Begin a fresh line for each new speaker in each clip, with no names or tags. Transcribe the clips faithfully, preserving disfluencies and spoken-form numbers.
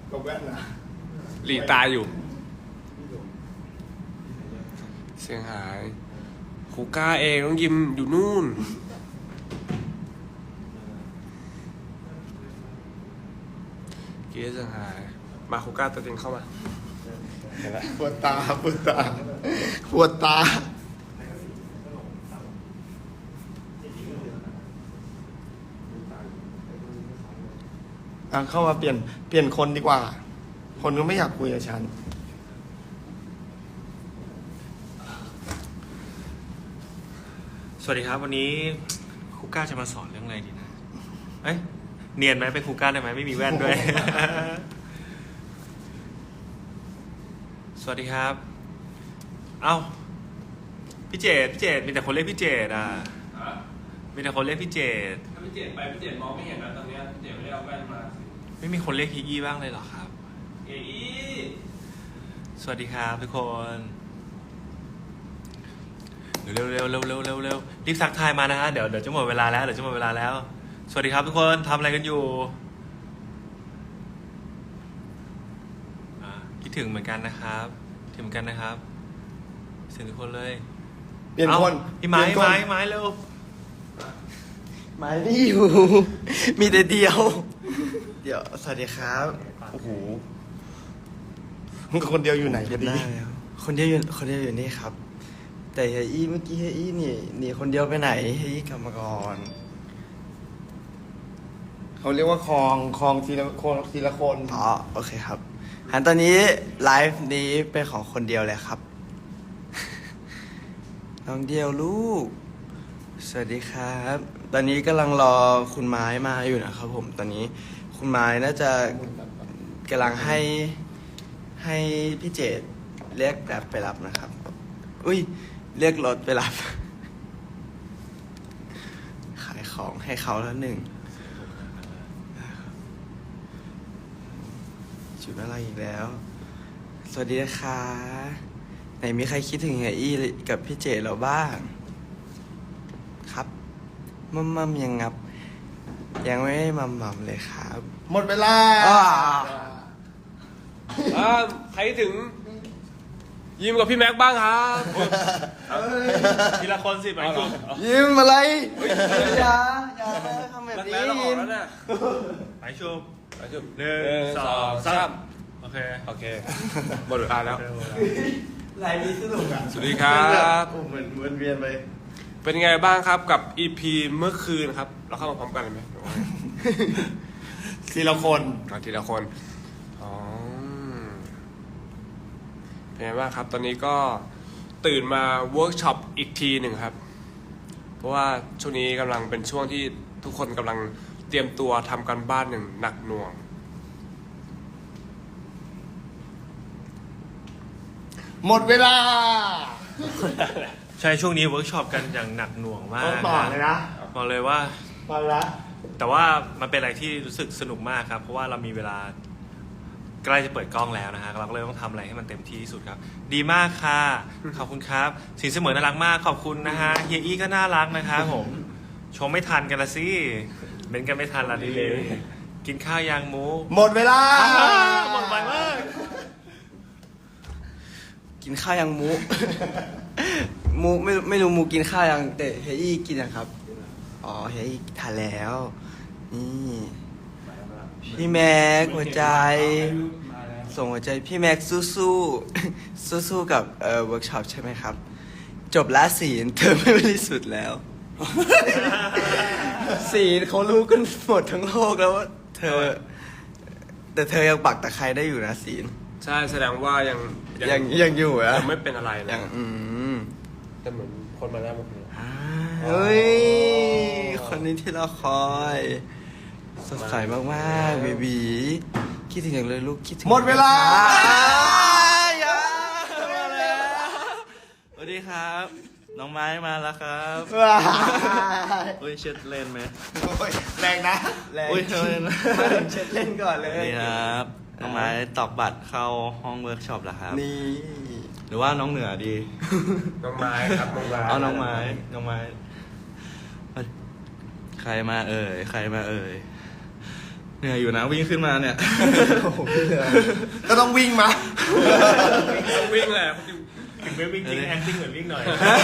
กับแว่นนะ
หลีตาอยู่เสียงหายครูก้าเองน้องยิมอยู่นู่นเกียร์เสียงหายมาครูก้าตัวจริงเข้ามา
ปวดตาปวดตาปวดตาอ่ะเข้ามาเปลี่ยนเปลี่ยนคนดีกว่า คนก็ไม่อยากคุยกับฉัน
สวัสดีครับวันนี้ครูก้าจะมาสอนเรื่องอะไรดีนะเอ้ยเนียนไหมเป็นครูก้าได้ไหมไม่มีแว่นด้วย สวัสดีครับเอ้าพี่เจดพี่เจดมีแต่คนเรียกพี่เจดอ่ะมีแต่คนเรียกพี่เจด
ถ้าพี่เจดไปพี่เจดมองไม่เห็นนะตอนนี้พี่เจดไม่ได้เอาแว่นมา
ไม่มีคนเรียกฮีอี้บ้างเลยเหรอครับ
เอ้ย
สวัสดีครับทุกคนเร็วเร็วเร็วเร็วเร็วเร็วรีบซักทายมานะฮะเดี๋ยวเดี๋ยวจะหมดเวลาแล้วเดี๋ยวจะหมดเวลาแล้วสวัสดีครับทุกคนทำอะไรกันอยู่คิดถึงเหมือนกันนะครับถึงเหมือนกันนะครับถึงทุกคนเลย
เปลี่ยนคน
พี่ไม้ไม้ไม้เร็ว
ไม้ไม่อยู่ มีแต่เดียว เดี๋ยวสวัสดีครับโอ้โหมึงคนเดียวอยู่ไหนกันดีคนเดียวอยู่คนเดียวอยู่นี่ครับ แต่เฮียอี้เมื่อกี้เฮียอี้นี่หนีคนเดียวไปไหนเฮียอี้กลับมาก่อนเขาเรียกว่าคลองคลองทีละคนทีละคนอ๋อโอเคครับหันตอนนี้ไลฟ์นี้เป็นของคนเดียวเลยครับ น้องเดียวลูกสวัสดีครับ ตอนนี้กำลังรอคุณไม้มาอยู่นะครับผมตอนนี้คุณไม้น่าจะกำลังให้ให้พี่เจดเรียกแบบไปรับนะครับอุ้ยเรียกรถไปรับ ขายของให้เขาแล้วหนึ่งจุดอะไรอีกแล้วสวัสดีนะคะไหนมีใครคิดถึงเฮียอี้กับพี่เจเราบ้างครับมัมมัมยังงับยังไม่ได้มัมมัมเลยครับหมดเวลา
อ่าใครถึงยิมกับพี่แม็กบ้างครับ
ทีละคนสิไปก่อน
ยิ้มอะไรอย่าอย่าทำแบบนี้ยิ้ม
ไปชุบ
ไปชุบ
หนึ่งสองสามโอเค
โอเคหมดเวลาแล้ว
ลายนี้สนุกอ่ะ
สวัสดีครับ
เหมือนเหมือนเวียนไป
เป็นไงบ้างครับกับ อี พี เมื่อคืนครับเราเข้ามาพร้อมกันเลยไหม
ทีละคน
เอาทีละคนอ๋อเป็นไงบ้างครับตอนนี้ก็ตื่นมาเวิร์กช็อปอีกทีหนึ่งครับเพราะว่าช่วงนี้กำลังเป็นช่วงที่ทุกคนกำลังเตรียมตัวทำการบ้านหนึ่งหนักหน่วง
หมดเวลา
ใช่ช่วงนี้เวิร์กช็อปกันอย่างหนักหน่วงมาก
ต้องต่อเลยนะ
บอกเลยว่า
มาละ
แต่ว่ามันเป็นอะไรที่รู้สึกสนุกมากครับเพราะว่าเรามีเวลาใกล้จะเปิดกล้องแล้วนะฮะเราก็เลยต้องทำอะไรให้มันเต็มที่ที่สุดครับดีมากค่ะขอบคุณครับสินเสมอน่ารักมากขอบคุณนะฮะเฮียอี้ก็น่ารักนะครับผมชมไม่ทันกันละสิเม้นกันไม่ทันละดีเลยกินข้าวยางหมู
หมดเวลา
หมดไปมาก
กินข้าวยังมู มูไม่ไม่รู้มูกินข้าวยังแต่เฮียอี้กินยังครับอ๋อเฮียอี้ทานแล้วนี่พี่แม็กหัวใจส่งหัวใจพี่แม็กสู้สู้สู้สู้ๆกับเอ่อเวิร์กช็อปใช่ไหมครับ จบละศีลเธอไม่บริสุทธิ์แล้ว ศีลเขารู้กันหมดทั้งโลกแล้วว่าเธอ แต่เธอยังปักตะไคร้ได้อยู่นะศีล
ใช่แสดงว่ายัง
ยังยังอยู่อะ
ยังไม่เป็นอะไรนะ
ยังอืม
แต่เหมือนคนมาแล้วเมื่อคืน
อ่าเฮ้ย คนนี้ที่เราคอยสดใสมากๆเบบีคิดถึงอย่างเลยลูกคิดถึงหมดเวลา
สวัสดีครับ น้องไม้มาแล้วครับ
ว้า
เฮ้ยเช็ดเล่นไหม
แรงนะแรง
อุ้ยเล่น
มาถึงเช็ดเล่นก่อนเล
สวั
ย
สดีครับ น้องไม้ตอกบัตรเข้าห้องเวิร์กช็อปแล้วครับ
นี่
หรือว่าน้องเหนือดี
น้องไม้ครับน้องไม้
เอาน้องไม้ น้องไม้ ใครมาเอ่ย ใครมาเอ่ย
เหนื่อยอยู่นะวิ่งขึ้นมาเนี่ย
โอ้โหพี่เหนื่อยก็ต้องวิ่งมา
ต้องวิ่งแหละ
ถึงไม่วิ่งจริง acting เหมือนวิ่งหน่อย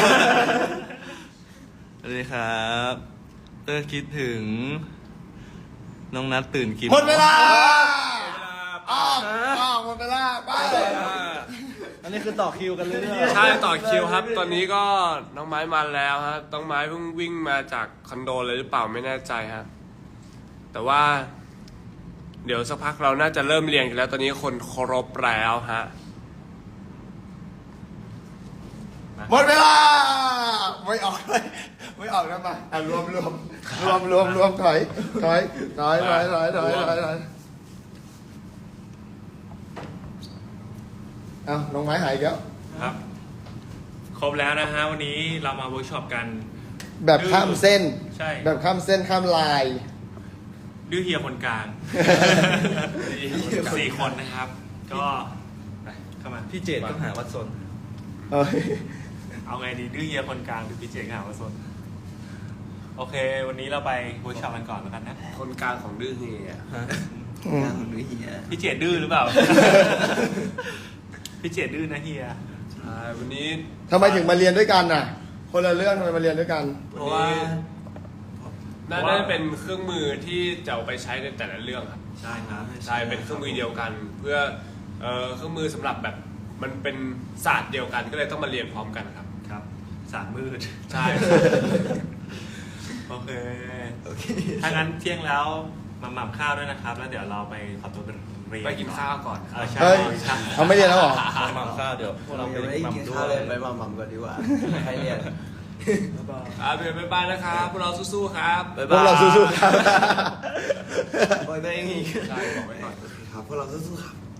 สวัสดีครับเตอร์คิดถึง น้องนัดตื่นกี่โม
หม
ง
ดเวลาอ้าวอ้าวหมดเวลาไป
อันนี้คือต่อคิวกันเรื่อย
ใช่ต่อคิวครับ ตอนนี้ก็น้องไม้มาแล้วฮะน้องไม้เพิ่งวิ่งมาจากคอนโดเลยหรือเปล่าไม่แน่ใจฮะแต่ว่า เดี๋ยวสักพักเราน่าจะเริ่มเรียนกันแล้ว ตอนนี้คนเคารพแล้วฮะ
หมดเวลาไม่ออกเลยไม่ออกแล้วมาอ่ะรวมรวมรวมรวมรวมถอยถอยถอยถอยถอยถอยถอยถอยเอ้าน้องไม้หายอีกแล้ว
ครับ ครบแล้วนะฮะวันนี้เรามาเวิร์กช็อปกัน
แบบข้ามเส้น
ใช่
แบบข้ามเส้นข้ามลาย
ดื้อเฮียคนกลางสี่คนนะครับ ก็ไปเข้ามา
ๆพี่เจดก็หาวัดสน
เอ้ย
เอาไงดีดื้อเฮียคนกลางหรือพี่เจงหาวสนโอเค วันนี้เราไปเวิร์กช็อปกันก่อนแล้วกันนะ
คนกลางของดื้อเฮีย
พี่เจดดื้อหรือเปล่า พี่เจดดื้อนะเฮีย
ใช่วันนี้
ทำไมถึงมาเรียนด้วยกันน่ะ คนละเรื่องทำไมมาเรียนด้วยกัน
เพราะว่าน่าจะเป็นเครื่องมือที่จะเอาไปใช้ในแต่ละเรื่องครับ
ใช่ครับ
ใช่เป็นเครื่องมือเดียวกัน เพื่อเอ่อเครื่องมือสำหรับแบบมันเป็นศาสตร์เดียวกันก็เลยต้องมาเรียนพร้อมกันครับ
ครับสารมืด
ใช่
โอเคถ้างั้นเที่ยงแล้วมาหม่ำข้าวด้วยนะครับ แล้วเดี๋ยวเราไปขอตัวไปเรียน
ไปกินข้าวก่อน
เออใช่
เฮ้ย
ใช่
เขาไม่เรียนแล้วเหรอ
หม่ำข้าวเดี๋ยวพวกเราไป
ยังไม่ได้
ห
กิน
ม่ำด้ว
ข้าวเลย
ย
ไปหม่ำๆก่อนดีกว่าใครเรียน
ครับเดี๋ยวบ๊ายบายนะครับพวกเราสู้ๆครับ
พวกเราสู้ๆครับ
บอกตัวเองอีก
ใช่บอกไว้ก่อน
ครับพวกเราสู้ๆครับ